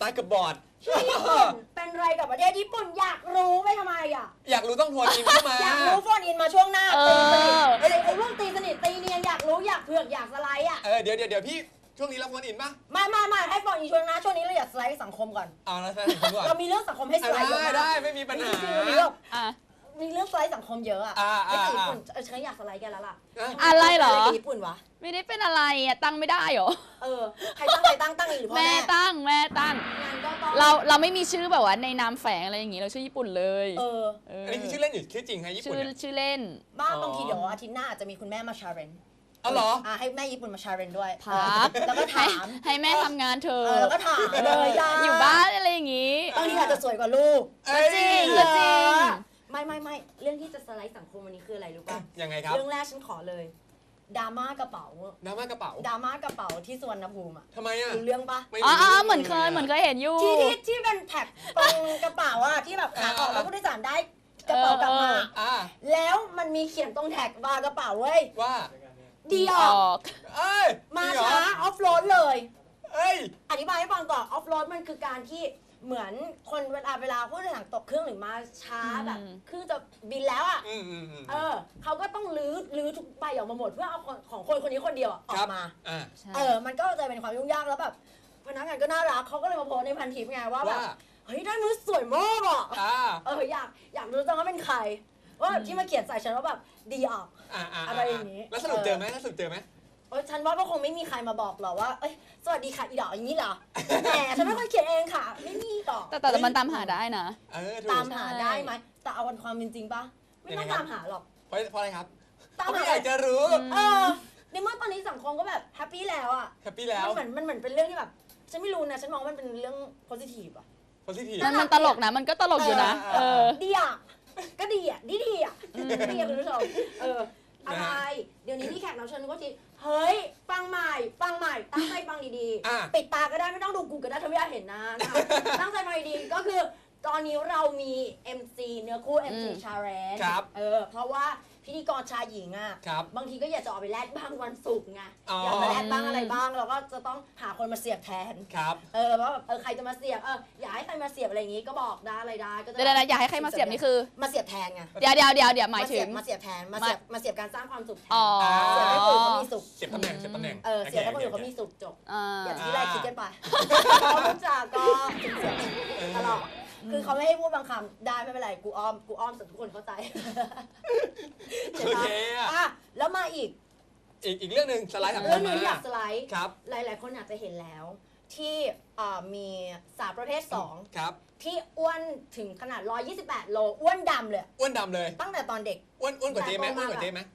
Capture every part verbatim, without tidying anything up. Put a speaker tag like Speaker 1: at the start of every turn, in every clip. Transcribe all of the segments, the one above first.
Speaker 1: มากับบอร์ด
Speaker 2: ช่วยญี่ปุ่นเป็นไรกับประเทศญี่ปุ่นอยากรู้ไปทำไมอ่ะ
Speaker 1: อยากรู้ต้องโฟนอินเข้ามา
Speaker 2: อยากรู้โฟนอินมาช่วงหน้าตีสนิทไอ้ไอ้เรื่องตีสนิทตีเนียนอยากรู้อยากเผือกอยากสไลด์อ่ะ
Speaker 1: เออเดี๋ยวเดี๋ยวเดี๋ยวพี่ช่วงนี้เราโฟนอินป่ะ
Speaker 2: ไม่ไม่ไม่ให้โฟนอินช่วงหน้าช่วงนี้เราอยากสไลด์สังคมก่อน
Speaker 1: เอาแล้วสไลด์สังคมก่อน
Speaker 2: เรามีเรื่องสังคมให้สไลด์
Speaker 1: ได้ได้ไม่มีปัญหา
Speaker 2: มีเรื่องมีเรื่องสไลด์สังคมเยอะอ่ะไอ้ญี่ปุ่นเออฉันอยากสไลด์แกแล้วล่ะ
Speaker 3: อะไรเหรอ
Speaker 2: ญี่ปุ่นวะ
Speaker 3: ไม่ได้เป็นอะไรอ่ะตั้งไม่ได้หรอ
Speaker 2: เออใครตั้งใครตั้งตั้งอีกหรือพ่อแม่
Speaker 3: แม่ตั้งแม่ตั้งเราเราไม่มีชื่อแบบว่าในนามแฝงอะไรอย่างงี้เราชื่อญี่ปุ่นเลย
Speaker 2: เออ
Speaker 1: อันนี้คือชื่อเล่นหรือชื่อจริงฮะญี่ปุ่น
Speaker 3: ชื่อชื่อเล่น
Speaker 2: บ้าบางทีเดี๋ยวอาทิตย์หน้าอาจจะมีคุณแม่มาชาเรน
Speaker 1: อ๋อเหรอ
Speaker 2: อ่าให้แม่ญี่ปุ่นมาชาเรนด้วย
Speaker 3: พัก
Speaker 2: แล้วก็ถาม
Speaker 3: ให้แม่ทำงานเธอ
Speaker 2: แล้วก็ถามเลย
Speaker 3: อยู่บ้านอะไรอย่างงี้
Speaker 2: บางทีอาจจะสวยกว่าลูก
Speaker 3: จริงก็จริง
Speaker 2: ไม่ไม่ไม่เรื่องที่จะสไลด์สังคมวันนี้คืออะไรรู้ป่ะ
Speaker 1: ยังไงครับ
Speaker 2: เรื่องแรกฉันขอเลยดราม่ากระเป๋า
Speaker 1: ดราม่ากระเป๋า
Speaker 2: ดราม่ากระเป๋าที่สุวรรณภูมิอ่ะ
Speaker 1: ทำไมอ่ะ
Speaker 2: รู้เรื่องปะ
Speaker 3: อ๋อเหมือนเคยเหมือนเคยเห็นอยู่
Speaker 2: ที่ที่ที่เป็นแท็กตรงกระเป๋าอ่ะที่แบบขาออกแล้วผู้โดยสารได้กระเป๋ากลับมาแล้วมันมีเขียนตรงแท็กบาร์กระเป๋าเว้ย
Speaker 1: ว่า
Speaker 2: ดีออกมาช้าออฟโรดเลยอธิบายให้ฟังก่อนออฟโรดมันคือการที่เหมือนคนเวลาเวลาผู้โดยสารตกเครื่องหรือมาช้าแบบเครื่องจะบินแล้วอ่ะเออเขาก็ต้องลื้อลื้อทุกใบออกมาหมดเพื่อเอาของคนคนนี้คนเดียวออกมาเออมันก็จะเป็นความยุ่งยากแล้วแบบพนักงานก็น่ารักเขาก็เลยมาโพสในพันทิปไงว่าแบบเฮ้ยได้มือสวยมากอ่ะเอออยากอยากรู้จังว่าเป็นใครว่าที่มาเขียนใส่ฉันว่าแบบดีออกอะไรอย่างนี้
Speaker 1: แล้วสรุปเจอไหมแล้วสรุปเจอไหม
Speaker 2: โอ้ยฉันว่าก็คงไม่มีใครมาบอกหรอกว่าเอ้ยสวัสดีค่ะอีดอกอย่างนี้เหรอแหมฉันไม่ค่อยเขียนเองค่ะไม่มีหรอก
Speaker 3: แต่แต่มันตามหาได้นะ
Speaker 2: ตามหาได้ไหมแต่เอาวันความเป็นจริงปะไม่ต้องตามหาหรอก
Speaker 1: เพราะเพราะอะไรครับ
Speaker 2: ตามหา
Speaker 1: อยากจะรู้
Speaker 2: เออในเมื่อตอนนี้สังคมก็แบบแฮปปี้แล้วอะ
Speaker 1: แฮปปี้แล้ว
Speaker 2: มันเหมือนมันเหมือนเป็นเรื่องที่แบบฉันไม่รู้นะฉันมองว่ามันเป็นเรื่องโพสิทีฟอะ
Speaker 1: โพสิทีฟ
Speaker 3: มันมันตลกนะมันก็ตลกอยู่นะเออ
Speaker 2: ดีอะก็ดีอะดีดีอะดีอะคุณผู้ชมเอออะไรเดี๋ยวนี้ที่แขกรับเชิญก็ทีเฮ้ยฟังใหม่ฟังใหม่ตั้งใจฟังดีๆปิดตาก็ได้ไม่ต้องดูกูก็ได้ถ้าไม่อยากเห็นนะตั้งใจฟังดีๆก็คือตอนนี้เรามี เอ็ม ซี เนื้อคู่ เอ็ม ซี Challenge เออเพราะว่าพิธีกรชายหญิงอ่ะบางทีก็อยากจะออกไปแลดบ้างวันศุกร์ไงอยากไปแลดบ้างอะไรบ้างเราก็จะต้องหาคนมาเสียบแทนเออว่าแบบเออใครจะมาเสียบเอออยากให้ใครมาเสียบอะไรอย่างงี้ก็บอกได้อะไรได้ก็จะ
Speaker 3: เดี๋ยวๆอยากให้ใครมาเสียบนี่คือ
Speaker 2: มาเสียบแทนไง
Speaker 3: เดี๋ยวเดี๋ยวเดี๋ยวเดี๋ยวหมายถึง
Speaker 2: มาเสียบแทนมาเสียบมาเสียบการสร้างความสุขแทน
Speaker 3: เ
Speaker 2: สียบให้คนอื่นเขามีสุข
Speaker 1: เสียบตำแหน่งเสียบตำแหน่ง
Speaker 2: เออเสียบให้คนอื่นเขามีสุขจบอย่าที่ไรคิดกันไปเขาพูดจาก็เสียบตลอดคือเขาไม่ให้พูดบางคำได้ไม่เป็นไรกูอ้อมกูอ้อมแต่ทุกคนเข้าใจ
Speaker 1: โอเค
Speaker 2: อ่ะแล้วมาอีก
Speaker 1: อีกอีกเรื่องหนึ่งสไลด์
Speaker 2: เรื่องนึงอยากสไลด์
Speaker 1: ครับ
Speaker 2: หลายๆคนอาจจะเห็นแล้วที่มีสาวประเภทสอง
Speaker 1: ครับ
Speaker 2: ที่อ้วนถึงขนาดหนึ่งร้อยยี่สิบแปดโลอ้วนดำเลย
Speaker 1: อ้วนดำเลย
Speaker 2: ตั้งแต่ตอนเด็ก
Speaker 1: อ้วนอ้วนกว่าเจ๊ไหมอ้วนกว่าเจ๊ไหม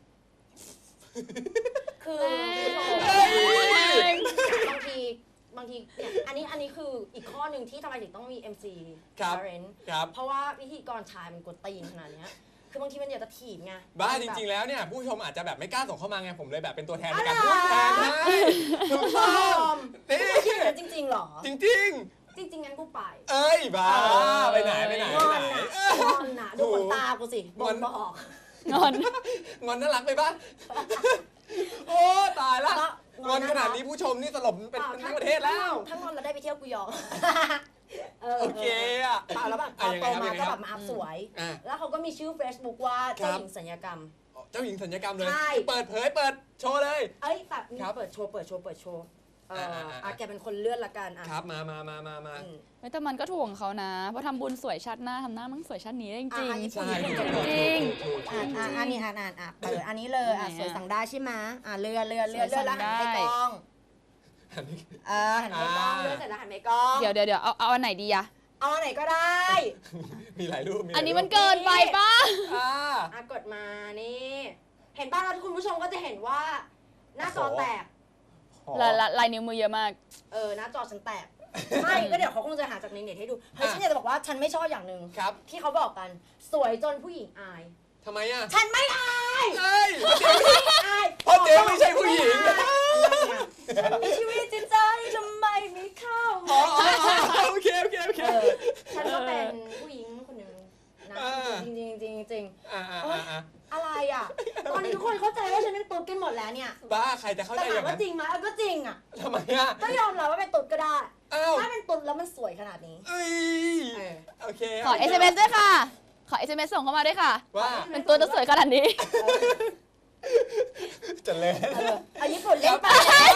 Speaker 2: คือบางทีบางทีเนี่ยอันนี้อันนี้คืออีกข้อหนึ่งที่ทำไมถึงต้องมี เอ็ม ซี Challenge เพราะว่าพิธีกรชายมันกดตีนขนาดนี้คือบางทีมันอยากจะถีบไง
Speaker 1: บ้าจริงๆแล้วเนี่ยผู้ชมอาจจะแบบไม่กล้าส่งเข้ามาไงผมเลยแบบเป็นตัวแทนในการพูดแทนให้
Speaker 2: ถูกต้องนี่จริงๆหรอ
Speaker 1: จริง
Speaker 2: จริงจริงงั้นกูไป
Speaker 1: เอ้ยบ้าไปไหนไปไหน
Speaker 2: ไปไหนงอนนะดูขนตากูสิบนบอก
Speaker 3: งอน
Speaker 1: งอนน่ารักไปบ้าโอ้ตายละงอนขนาดนี้ผู้ชมนี่สลบเป็นทั้งประเทศแล้ว
Speaker 2: ทั้งงอนเราได้ไปเที่ยวกุยอง
Speaker 1: โอเคอ่ะ
Speaker 2: แล้วแบบพอโตมาก็แบบมาอัพสวยแล้วเขาก็มีชื่อ Facebook ว่าเจ้าหญิงสัญญกรรม
Speaker 1: เจ้าหญิงสัญญกรรมเลยเปิดเผยเปิดโชว์เลย
Speaker 2: เอ้ยแบบมีเปิดโชว์เปิดโชว์เปิดโชว์เอออ่ะแกเป็นคนเลื่อนละกันอ่ะ
Speaker 1: ครับมามามามามา
Speaker 3: ไม่แต่มันก็ถ่วงเขานะเพราะทำบุญสวยชาติหน้าทำหน้ามันสวยชาตินี้ได้จริงจริง
Speaker 1: ใช่
Speaker 3: จริง
Speaker 2: อ่ะอันนี้อ่านอ่านอ่ะเปิดอันนี้เลยอ่ะสวยสั่งได้ใช่ไหมอ่ะเลื่อนเลื่อนเลื่อนเลื่อนแล้วหันไปกล้องเออหันไปกล้องเลื่อนเสร็จแล้วหันไปกล้อง
Speaker 3: เดี๋ยวเดี๋ยวเดี๋ยวเอาเอาอันไหนดีอะ
Speaker 2: เอาอันไหนก็ได้
Speaker 1: มีหลายรูป
Speaker 3: อันนี้มันเกินไปป่ะ
Speaker 2: อ่ะกดมานี่เห็นป่ะแล้วคุณผู้ชมก็จะเห็นว่าหน้าจอแตก
Speaker 3: ลายลายนิ้วมือเยอะมาก
Speaker 2: เออหน้าจอฉันแตกไม่ก็เดี๋ยวเขาคงจะหาจากในเน็ตให้ดูเฮ้ยฉันอยากจะบอกว่าฉันไม่ชอบอย่างหนึ่งที่เขาบอกกันสวยจนผู้หญิงอาย
Speaker 1: ทำไมอ่ะ
Speaker 2: ฉันไม่อาย
Speaker 1: ใช่เพราะเจ๊ไม่ใช่ผู้หญิง
Speaker 2: ฉันมีชีวิตจิตใจทำไมไม่เข้า
Speaker 1: โอเคโอเคโอเค
Speaker 2: ฉันก็เป็นผู้หญิงคนหนึ่งนะจริงจริงจริงจริงอะไรอ่ะตอนนี้ทุกคนเข้าใจว่าฉันเป็นตุ๊ดกันหมดแล้วเนี่ย
Speaker 1: บ้าใครจะเข้าใจ
Speaker 2: อย่างนั้นแต่ถามว่าจริงไหมก็จริงอ่ะ
Speaker 1: ทำไมอ่ะ
Speaker 2: ก็ยอมรับว่าเป็นตุ๊ดก็ได้
Speaker 1: อ้าว
Speaker 2: ถ้าเป็นตุนแล้วมันสวยขนาดนี้
Speaker 1: เอ้ย
Speaker 2: เออ
Speaker 1: โอเค
Speaker 3: ขอ เอส เอ็ม เอส ด้วยค่ะ ขอ เอส เอ็ม เอส ส่งเข้ามาด้วยค่ะ
Speaker 1: ว่า
Speaker 3: เป็นตัวจะสวยขนาดนี้
Speaker 1: จะเล่น
Speaker 2: เออเอาญี่ปุ่นเล่นไป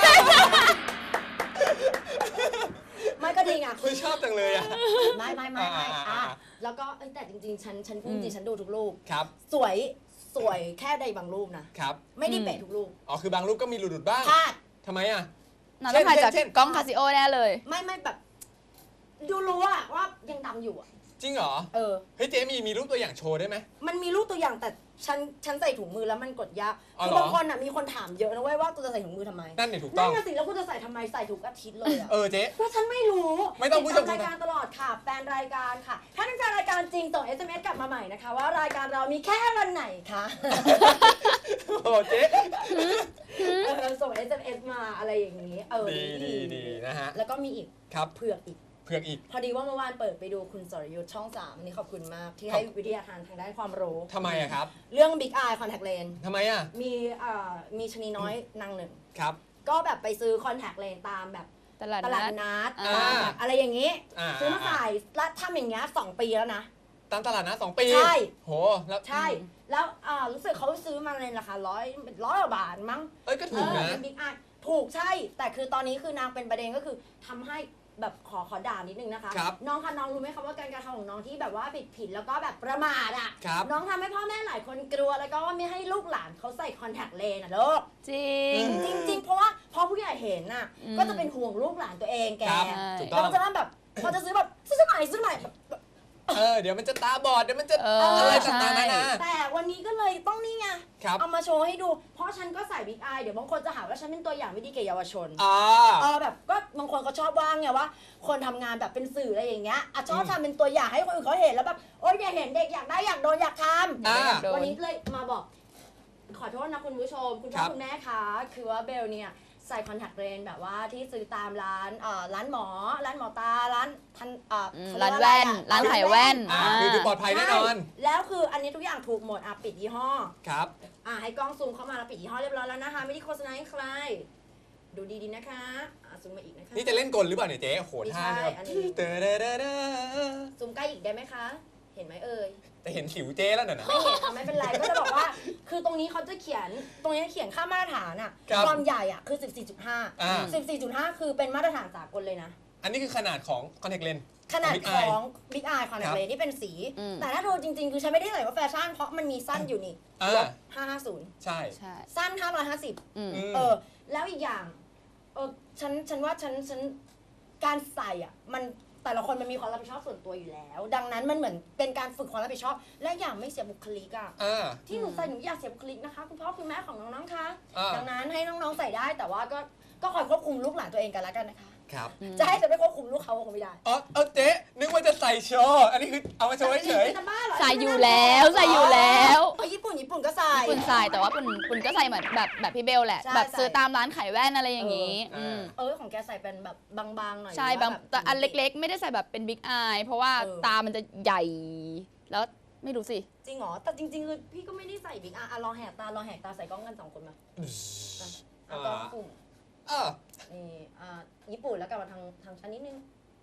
Speaker 2: ไม่ก็ดีไง
Speaker 1: คุณชอบจังเลยอ่ะ
Speaker 2: ไม่ไม่ไม่ไม่
Speaker 1: อ่า
Speaker 2: อ่ะ
Speaker 1: อ่า
Speaker 2: แล้วก็เอ้ยแต่จริงๆ ฉันฉันพูด
Speaker 3: อื
Speaker 2: จ
Speaker 3: ม
Speaker 2: ริงฉันดูทุกรูป
Speaker 1: ครับ
Speaker 2: สวยสวยแค่ใดบางรูปนะ
Speaker 1: ครับ
Speaker 2: ไม่ได้เป๊ะทุกรูป
Speaker 1: อ๋อคือบางรูปก็มีหลุดๆบ้าง
Speaker 2: พลาด
Speaker 1: ทำไมอ่ะ
Speaker 3: น่าต้องถ่ายจาก
Speaker 1: เช่น
Speaker 3: กล้องคาซิโอแน่เลย
Speaker 2: ไม่ไม่แบบ ดูรู้อะว่ายังดำอยู่อะ
Speaker 1: จริงเหรอ
Speaker 2: เออ
Speaker 1: เฮ้ยเจ๊มีมีรูปตัวอย่างโชว์ได้ไหม
Speaker 2: มันมีรูปตัวอย่างแต่ฉันฉันใส่ถุงมือแล้วมันกดยาก
Speaker 1: อ๋อ
Speaker 2: คือ
Speaker 1: เหรอ
Speaker 2: บางคนอะมีคนถามเยอะนะเว้ยว่ากูจะใส่ถุงมือทำไม
Speaker 1: นั่นเนี่ยถูกต้
Speaker 2: นั่
Speaker 1: อน ง
Speaker 2: น่ะสิแล้วกูจะใส่ทำไมใส่ทุกอาทิตย์เลยอะ
Speaker 1: เออเจ๊
Speaker 2: เพราะฉันไม่รู้
Speaker 1: ไม่ต้องพูด
Speaker 2: ติดตาม
Speaker 1: จำ
Speaker 2: รายการตลอดค่ะแฟนรายการค่ะ ถ้าเป็นแฟนรายการจริงส่ง เอส เอ็ม เอส กลับมาใหม่นะคะ ว่ารายการเรามีแค่วันไหนคะ
Speaker 1: โอ้เจ๊
Speaker 2: เออส่ง เอส เอ็ม เอส มาอะไรอย่างนี้เออ
Speaker 1: ดีดีดีนะฮะ
Speaker 2: แล้วก็มีอีก
Speaker 1: ครับ
Speaker 2: เผือกอีก
Speaker 1: เผือกอีก
Speaker 2: พอดีว่าเมื่อวานเปิดไปดูคุณสรยุทธ์ช่องสามนี่ขอบคุณมาก ที่ให้วิทยาทานทางด้านความรู้
Speaker 1: ทำไมอะครับ
Speaker 2: เรื่อง Big Eye Contact Lens
Speaker 1: ทำไมอะ
Speaker 2: มีเอ่อมีชนีน้อยนางหนึ่ง
Speaker 1: ครับ
Speaker 2: ก็แบบไปซื้อ Contact Lens ตามแบบ
Speaker 3: ตลาด
Speaker 2: ตลาด
Speaker 3: นัด
Speaker 2: นัด
Speaker 3: อ่า
Speaker 2: ตามแบบอะไรอย่างนี้
Speaker 1: อ่า
Speaker 2: ซื้อมาใส่แล้วทำอย่างเงี้ยสองปีแล้วนะ
Speaker 1: ตามตลาดนะสองปี
Speaker 2: ใช่
Speaker 1: โหแล้ว
Speaker 2: ใช่ แล้วอ่ารู้สึกเขาซื้อมาในราคาร้อยร้อยกว่าบาทมั้ง
Speaker 1: เอ้ยก็
Speaker 2: เอ
Speaker 1: ถูก
Speaker 2: อ
Speaker 1: นะ
Speaker 2: เป็นบิ๊กไอถูกใช่ แต่คือตอนนี้คือนางเป็นประเด็นก็คือทำให้แบบขอขอด่านิดนึงนะคะ
Speaker 1: ครับ
Speaker 2: น้องคะน้องรู้ไหมคะว่าการกระทำของน้องที่แบบว่าผิดผิดแล้วก็แบบประมาทอ่ะ
Speaker 1: ครับ
Speaker 2: น้องทำให้พ่อแม่หลายคนกลัวแล้วก็ว่าไม่ให้ลูกหลานเขาใส่คอนแทคเลนส์อ่ะลูก
Speaker 3: จริง
Speaker 2: จริงๆ เพราะว่าพอผู้ใหญ่เห็นน่ะ
Speaker 3: อืม
Speaker 2: ก็จะเป็นห่วงลูกหลานตัวเองแก
Speaker 1: ครับ
Speaker 3: ใช่
Speaker 1: ถูกต้
Speaker 2: แล้
Speaker 1: อ
Speaker 2: ว
Speaker 1: ง
Speaker 2: ก็จะแบบพอจะซื้อแบบซื้อใหม่ซื้อใหม่แบบ
Speaker 1: เออเดี๋ยวมันจะตาบอดเดี๋ยวมันจะ
Speaker 3: เอ
Speaker 1: อะ
Speaker 3: อ
Speaker 1: ไร
Speaker 3: ใช่
Speaker 1: ต่างๆนานา
Speaker 2: แต่วันนี้ก็เลยต้องนี่ไง
Speaker 1: ครับ
Speaker 2: เอามาโชว์ให้ดู เพราะฉันก็ใส่บิ๊กอายเดี๋ยวบางคนจะหาว่าฉันเป็นตัวอย่างไม่ดีแก่เยาวชน
Speaker 1: อ่า
Speaker 2: เออแบบก็บางคนเขาชอบว่างไงว่า คนทำงานแบบเป็นสื่ออะไรอย่างเงี้ยอ่ะชอบ
Speaker 1: อืม
Speaker 2: ทำเป็นตัวอย่างให้คนอื่นเขาเห็นแล้วแบบโอ๊ยอยากเห็นเด็กอยากได้อยากโดนอยากท
Speaker 1: อ่า
Speaker 3: โด
Speaker 2: ำ
Speaker 3: น
Speaker 2: วันนี้เลยมาบอก ขอโทษนะคุณผู้ชม คุณพ่
Speaker 1: ครั
Speaker 2: อบ คุณแม่คะคือว่าเบลเนี่ยใส่คอนแทคเลนส์แบบว่าที่ซื้อตามร้านเอ่อร้านหมอ ร้านหมอตาร้านทันเอ่อ
Speaker 3: อืม
Speaker 2: เขเย
Speaker 3: ร้าน
Speaker 2: ก
Speaker 3: แว่น
Speaker 2: อะ
Speaker 3: ร้านขายแว่น
Speaker 1: อ่า
Speaker 3: อ่า
Speaker 1: คือคือปลอดภัยแน่นอน
Speaker 2: ใช่แล้วคืออันนี้ทุกอย่างถูกหมดอ่ะปิดยี่ห้อ
Speaker 1: ครับ
Speaker 2: อ่ะให้กล้องซูมเข้ามาแล้วปิดยี่ห้อเรียบร้อยแล้วนะคะไม่ได้โฆษณาให้ใคร ดูดีๆนะคะอ่ะซูมมาอีกนะคะ
Speaker 1: นี่จะเล่นกลหรือเปล่าเนี่ยเจ๊โอ้โห
Speaker 2: ไม่
Speaker 1: ท่า
Speaker 2: ใช่
Speaker 1: เนี่ยแบบ
Speaker 2: อันนี้
Speaker 1: เตอเดอเดอเดอ
Speaker 2: ซูมใกล้อีกได้ไหมคะ เห็นไหมเอ่ย
Speaker 1: แต่เห็นสิวเจ๊แล้วน่ะนะ
Speaker 2: ไม่เห็นอ่ะไม่เป็นไรก็จะบอกว่า คือตรงนี้เขาจะเขียนตรงนี้เขียนค่ามาตรฐานอ่ะ
Speaker 1: ครับ
Speaker 2: ความใหญ่อ่ะคือ สิบสี่จุดห้า
Speaker 1: อ่า
Speaker 2: สิบสี่จุดห้า คือเป็นมาตรฐานสากลเลยนะ
Speaker 1: อันนี้คือขนาดของ contact lens
Speaker 2: ขนาด
Speaker 1: Big
Speaker 2: ข
Speaker 1: Eye
Speaker 2: อง Big Eye คอนแทคเลนส์ที่เป็นสี
Speaker 3: อืม
Speaker 2: แต่ถ้าดูจริงๆ คือฉันไม่ได้ใส่ว่าแฟชั่นเพราะมันมีสั้นอยู่นี่
Speaker 1: อ่า
Speaker 2: ลบห้าห้าศูนย์
Speaker 1: ใช่
Speaker 3: ใช่
Speaker 2: สั้นห้าร้อยห้าสิบ
Speaker 3: อืม
Speaker 1: อืม
Speaker 2: เออ แล้วอีกอย่าง เออ ฉัน ฉันว่าฉัน ฉัน การใส่อ่ะ มัน แต่ละคนมันมีความรับผิดชอบส่วนตัวอยู่แล้ว ดังนั้นมันเหมือนเป็นการฝึกความรับผิดชอบ และอย่างไม่เสียบุคลิกอ่ะ
Speaker 1: อ่า
Speaker 2: ที่หนูใส่หนูอยากเสียบุคลิกนะคะ คุณพ่อคุณแม่ของน้องๆ คะ
Speaker 1: อ่า
Speaker 2: ดังนั้นให้น้องๆ ใส่ได้ แต่ว่าก็ ก็คอยควบคุมลูกหลานตัวเองกันแล้วกันนะคะ
Speaker 1: ครับ
Speaker 2: จะให้จะไม่ควบคุมลูกเขาคงไม่ได้
Speaker 1: อ๋อเออเจ๊นึกว่าจะใส่โชว์อันนี้คือเอามาโชว์เฉย
Speaker 2: จะบ้าเหรอ
Speaker 3: ใส่อยู่แล้วใส่อยู่แล้ว
Speaker 2: เออญี่ปุ่นญี่ปุ่นก็ใส่
Speaker 3: ปุนใส่แต่ว่าปุนปุนก็ใส่เหมือนแบบแบบพี่เบลแหละ
Speaker 2: ใช่
Speaker 3: แบบ
Speaker 2: ใส่
Speaker 3: ซื้อตามร้านขายแว่นอะไรอย่างงี้
Speaker 1: เอออื
Speaker 3: ม
Speaker 2: เออของแกใส่เป็นแบบบางๆหน่อย
Speaker 3: ใช่
Speaker 2: หรื
Speaker 3: บาง
Speaker 2: ว่
Speaker 3: แต่อันเล็กๆ ไม่ได้ใส่แบบเป็นบิ๊กอายเพราะว่า
Speaker 2: เออ
Speaker 3: ตามันจะใหญ่ แล้วไม่รู้สิ
Speaker 2: จริงเหรอ แต่จริงๆคือพี่ก็ไม่ได้ใส่บิ๊กอ่ะอ่ะลองแหกตาลองแหกตาใส่กล้องกันสองคนมา
Speaker 1: ๆ
Speaker 2: อ่ะอ่ะกล้องกลุ่ม
Speaker 1: เออ
Speaker 2: นี่อ่าญี่ปุ่นแล้วกลับมาทางทางชั้นนิดนึง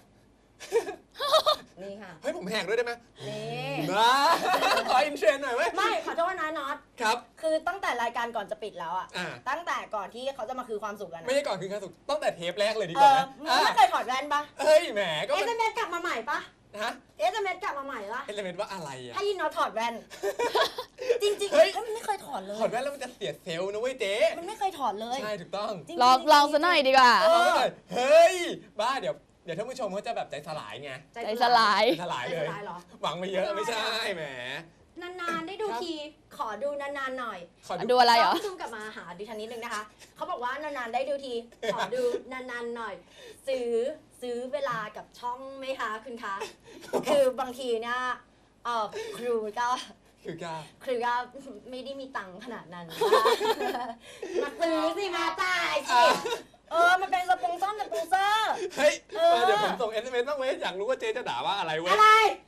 Speaker 2: นี่ค่ะ
Speaker 1: เฮ้ยผมแหกด้วยได้ไหม
Speaker 2: นี่
Speaker 1: มาขออินเทรนด์หน่อยเว้ย
Speaker 2: ไม่ขอโทษนะน็อต
Speaker 1: ครับ
Speaker 2: คือตั้งแต่รายการก่อนจะปิดแล้วอะ
Speaker 1: อ่า
Speaker 2: ตั้งแต่ก่อนที่เขาจะมาคือความสุขกัน
Speaker 1: ไม่
Speaker 2: อะ
Speaker 1: ใช่ก่อนคืนครั้งสุดตั้งแต่เทปแรกเลยดี
Speaker 2: เอก
Speaker 1: ว่า
Speaker 2: อ
Speaker 1: นะ
Speaker 2: มึง
Speaker 1: อ่ะ
Speaker 2: ไม่เคยถอดแว่นปะ
Speaker 1: เฮ้ยแหมก็
Speaker 2: เอ
Speaker 1: มัน
Speaker 2: สเอ็มเอสกลับมาใหม่ปะ
Speaker 1: ฮะ
Speaker 2: เอสเอ็มเอสกลับมาใหม่ละ
Speaker 1: เอลเมนต์ว่าอะไรอ่ะ
Speaker 2: ให้ยินน็อตถอดแว่น จริงๆ
Speaker 1: เฮ้ย
Speaker 2: เฮ้ยมันไม่เคยถอดเลย
Speaker 1: ถอดแว่นแล้วมันจะเสียเซลล์นะเว้ยเจ๊
Speaker 2: มันไม่เคยถอดเลย
Speaker 1: ใช่ถูกต้อง
Speaker 2: จริๆ
Speaker 3: ลองลองซะหน่อยดีกว่า
Speaker 2: เอ
Speaker 1: ลอง
Speaker 2: อ
Speaker 1: ไว้หน่อยเฮ้ยบ้าเดี๋ยวเดี๋ยวท่านผู้ชมเขาจะแบบใจสลายไง
Speaker 3: ใจสลาย
Speaker 1: ใจสลาย
Speaker 2: ใจ
Speaker 1: เล
Speaker 2: ส
Speaker 1: ย
Speaker 2: ลายเหรอ
Speaker 1: หวังไปเยอะไม่ใช่แหม
Speaker 2: นานๆได้ดู
Speaker 1: ครับ
Speaker 2: ที ขอดูนานๆหน่อย
Speaker 1: ขอ
Speaker 3: ดู
Speaker 1: ดู
Speaker 3: อะไรเหรอ
Speaker 2: ต้องซูมกลับมาหาดิฉันนิดนึงนะคะ เขาบอกว่านานๆได้ดูที ขอดูนานๆหน่อย ซื้อซื้อเวลากับช่องไหมคะคุณคะ คือบางทีเนี่ยเออครูก็
Speaker 1: คือกล้า
Speaker 2: ครูก็ไม่ได้มีตังค์ขนาดนั้นนะคะมาซื้อสิมาจ่ายสิ เออ มันเป็นสปงซ่อมสปงเซอร์
Speaker 1: เฮ้ย
Speaker 2: เออ
Speaker 1: มาเดี๋ยวผมส่ง เอส เอ็ม เอส บ้างเว้ยอยากรู้ว่าเจ๊จะด่าว่าอะไรเว้ย
Speaker 2: อะไร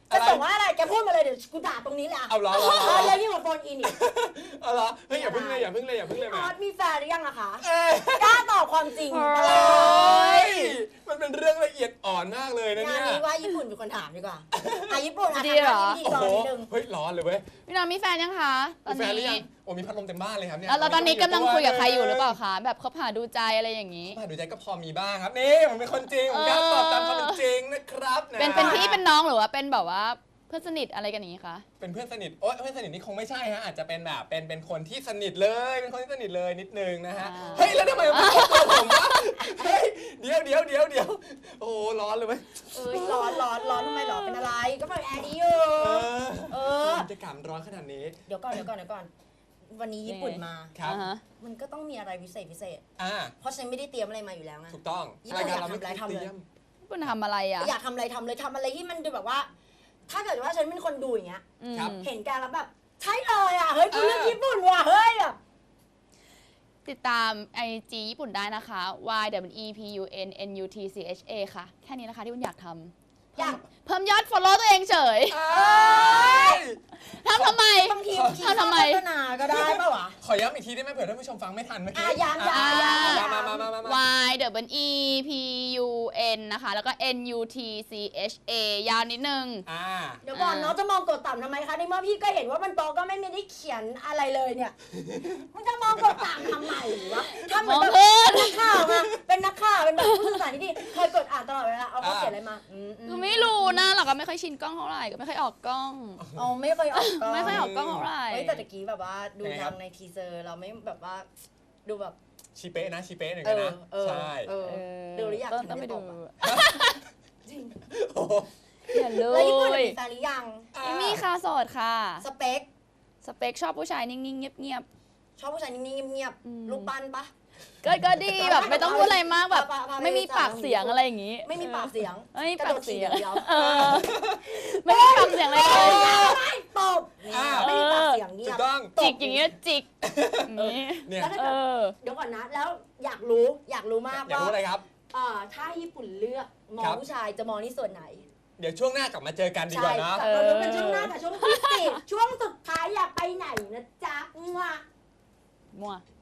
Speaker 2: จะส่งว่าอะไรแกพูดมาเลยเดี๋ยวกูด่าตรงนี้แหละ
Speaker 1: เอาเหรอ
Speaker 2: เออยังยิ่งกว่าโฟนอินอีก
Speaker 1: เอาเหรอเฮ้ยอย่าพึ่งเลยอย่าพึ่งเลยอย่าพึ่งเลย
Speaker 2: อ
Speaker 1: แม่
Speaker 2: อสมีแฟนหรือยังอะคะ
Speaker 1: เอ้ย
Speaker 2: กล้าตอบความจริง
Speaker 3: เฮ้
Speaker 1: เฮ้ยมันเป็นเรื่องละเอียดอ่อนมากเลยนะ
Speaker 2: งา
Speaker 1: เนี่
Speaker 2: น
Speaker 1: ย
Speaker 2: นี้ว่าญี่ปุ่นเป็นคนถามดีกว่าอ่ะญี่ปุ่นอ่ะ
Speaker 3: ดี
Speaker 2: ทำห
Speaker 3: เหร
Speaker 2: น้า
Speaker 3: อ
Speaker 2: ที่พิธี
Speaker 1: โอ้
Speaker 2: กร
Speaker 1: โห
Speaker 2: นิดนึง
Speaker 1: เฮ้ยร้อนเลยเว้ย
Speaker 3: พี่น้องมีแฟนยังคะตอ
Speaker 1: มี
Speaker 3: น
Speaker 1: แฟนหรือ
Speaker 3: นี้
Speaker 1: ยังโอ้มีพัดลมเต็มบ้านเลยครับเนี่ย
Speaker 3: แล้วแล้วตอนนี้กำลังคุยกับใครอยู่หรือเปล่าคะแบบคบหาดูใจอะไรอย่างนี้
Speaker 1: มาดูใจก็พอมีบ้างครับนี่ผมเป็นคนจริงผมกล้าตอบตามความเป็นจริงนะครับะ
Speaker 3: เป็นเป็นพี่เป็นน้องหรือว่าเป็นแบบว่าเพื่อนสนิทอะไรกันอย่างนี้คะ
Speaker 1: เป็นเพื่อนสนิทโอ๊ยเพื่อนสนิทนี่คงไม่ใช่ฮะอาจจะเป็นแบบเป็นเป็นคนที่สนิทเลยเป็นคนที่สนิทเลยนิดนึงนะฮะเฮ้ยแล้วทำไมมันไม่ตอบผมวะเฮ้ยเดี๋ยวเดี๋ยวเดี๋ยวเดี๋ยวโอ้ร้อนเลยเว้ย
Speaker 2: เอ้ยร้อนร้อนร้อนทำไมหรอเป็นอะไรก็เปิดแอร์ดีอยู่
Speaker 1: เออ
Speaker 2: เออ
Speaker 1: บรรยากาศมันร้อนขนาดนี้
Speaker 2: เดี๋ยวก่อนเดี๋ยวก่อนเดี๋ยวก่อน วันนี้ญี่ปุ่นมา
Speaker 1: ครับ
Speaker 3: อ่าฮะ
Speaker 2: มันก็ต้องมีอะไรพิเศษพิเศษ
Speaker 1: อ่า
Speaker 2: เพราะฉันไม่ได้เตรียมอะไรมาอยู่แล้วไง
Speaker 1: ถูกต้อง
Speaker 2: ญี่ปุ่นอยากทำอะไรทำเลย
Speaker 3: ญี่ปุ่นทำอะไรอ่ะ
Speaker 2: อยากทำอะไรทำเลยทำอะไรที่มันดูแบบว่า ถ้าเกิดว่าฉันเป็นคนดูอย่างเงี้ย
Speaker 3: อืม
Speaker 2: เห็นแกแล้วแบบใช่เลยอ่ะเฮ้ยกูเลือกญี่ปุ่นว่ะเฮ้ยแบบ
Speaker 3: ติดตาม ไอ จี ญี่ปุ่นได้นะคะ y w e p u n n u t c h a ค่ะ แค่นี้นะคะที่คุณอยากทำ
Speaker 2: อยาก
Speaker 3: เพิ่มยอด follow ตัวเองเฉย
Speaker 1: เอ้ย
Speaker 3: ทำทำไม
Speaker 2: บางที
Speaker 3: ทำทำไม
Speaker 2: พัฒนาก็ได้ป่าวะ
Speaker 1: ขอย้ำอีกทีได้ไหมเผื่อท่านผู้ชมฟังไม่ทันเมื่อ
Speaker 2: อ่ะ
Speaker 1: กี้
Speaker 2: ย้ำย้ำ
Speaker 3: อ่า
Speaker 2: ย้ำย้ำ
Speaker 1: มามามามามา
Speaker 3: y w e p u n นะคะ แล้วก็ n u t c h a ยาวนิดนึง
Speaker 1: อ่า
Speaker 2: เดี๋ยวก่อนน้องจะมองกดต่ำทำไมคะในเมื่อพี่ก็เห็นว่ามันโตก็ไม่ได้เขียนอะไรเลยเนี่ยมันจะมองกดต่ำทำไมวะทำเหมือนแบบ
Speaker 3: มองขึ้น
Speaker 2: นักข่าวมาเป็นนักข่าวเป็นแบบผู้สื่อสารที่ดีเคยกดอ่านตลอดเวลาเอาเขาเขียนอะไรมาอืมอืม
Speaker 3: คือไม่รู้นะเราก็ไม่ค่อยชินกล้องเท่าไหร่ก็ไม่ค่อยออกกล้อง
Speaker 2: อ๋อไม่เคยออกกล้อง
Speaker 3: ไม่ค่อยออกกล้องเท่าไหร่
Speaker 2: เฮ้ยแต่ตะกี้แบบว่าดู
Speaker 1: ยังไงครั
Speaker 2: ทา
Speaker 1: บ
Speaker 2: งในทีเซอร์เราไม่แบบว่าดูแบบ
Speaker 1: ชีเป๊ะนะชีเป๊ะหนึ่ง
Speaker 2: เอ
Speaker 1: กัน
Speaker 2: อ
Speaker 1: นะ
Speaker 2: เออ
Speaker 1: ใช่
Speaker 2: เออ
Speaker 3: เออ
Speaker 2: ดูหรือยัง
Speaker 3: ต้อง
Speaker 2: ถึง
Speaker 3: ต้องไป
Speaker 2: ได้
Speaker 3: ดู
Speaker 2: ตอบอะ จริง
Speaker 1: โอ้โห
Speaker 3: อย่าเล
Speaker 2: แล้วญี่ปุ่น
Speaker 3: ย
Speaker 2: มีแฟนหรือยัง
Speaker 3: ไม่มีค่ะโสดค่ะ
Speaker 2: สเปค
Speaker 3: สเปคชอบผู้ชายนิ่งๆ เงียบ
Speaker 2: ชอบผู้ชายนิ่งๆเงียบ
Speaker 3: อืม
Speaker 2: ๆรูปปั้นปะ
Speaker 3: ๆ ก็ก็ดีแบบไม่ต้องพูดอะไรมากแบบ
Speaker 2: พาพาไป
Speaker 3: ไม่มีปากเสียงอะไรอย่างงี้
Speaker 2: ไม่มีปากเสียง
Speaker 3: ไม่มี
Speaker 2: กระ
Speaker 3: ปา
Speaker 2: โด
Speaker 3: ก
Speaker 2: ด
Speaker 3: เสี
Speaker 2: ถี
Speaker 3: ย
Speaker 2: บ
Speaker 3: ง
Speaker 2: อย่างเดียว
Speaker 3: เออไม่มีปากเสียงอะไรเลย
Speaker 2: ไม่ตบ
Speaker 1: อ่า
Speaker 2: ไม่มีปากเสียงเงี
Speaker 1: ถู
Speaker 2: ย
Speaker 1: ก
Speaker 2: บ
Speaker 1: ต้อง
Speaker 3: จิกอย่างเงี้ยจิกอย่างงี้
Speaker 1: เนี่ย
Speaker 2: แล้วถ้า
Speaker 3: เอ
Speaker 2: เกิด
Speaker 3: อ
Speaker 2: เดี๋ยวก่อนนะ แล้วอยากรู้อยากรู้มาก
Speaker 1: อยาก
Speaker 2: ว่า
Speaker 1: รู้อะไรครับ
Speaker 2: เอ่อถ้าญี่ปุ่นเลือกมอ
Speaker 1: ค
Speaker 2: ง
Speaker 1: รับ
Speaker 2: ผู้ชายจะมองที่ส่วนไหน
Speaker 1: เดี๋ยวช่วงหน้ากลับมาเจอกันดีกว่านะ
Speaker 2: ใช่เราดูเป็นช่วงหน้าแต่ช่วงที่สิบช่วงสุดท้ายอย่าไปไหนนะจ๊ะมั่ว
Speaker 3: มั่ว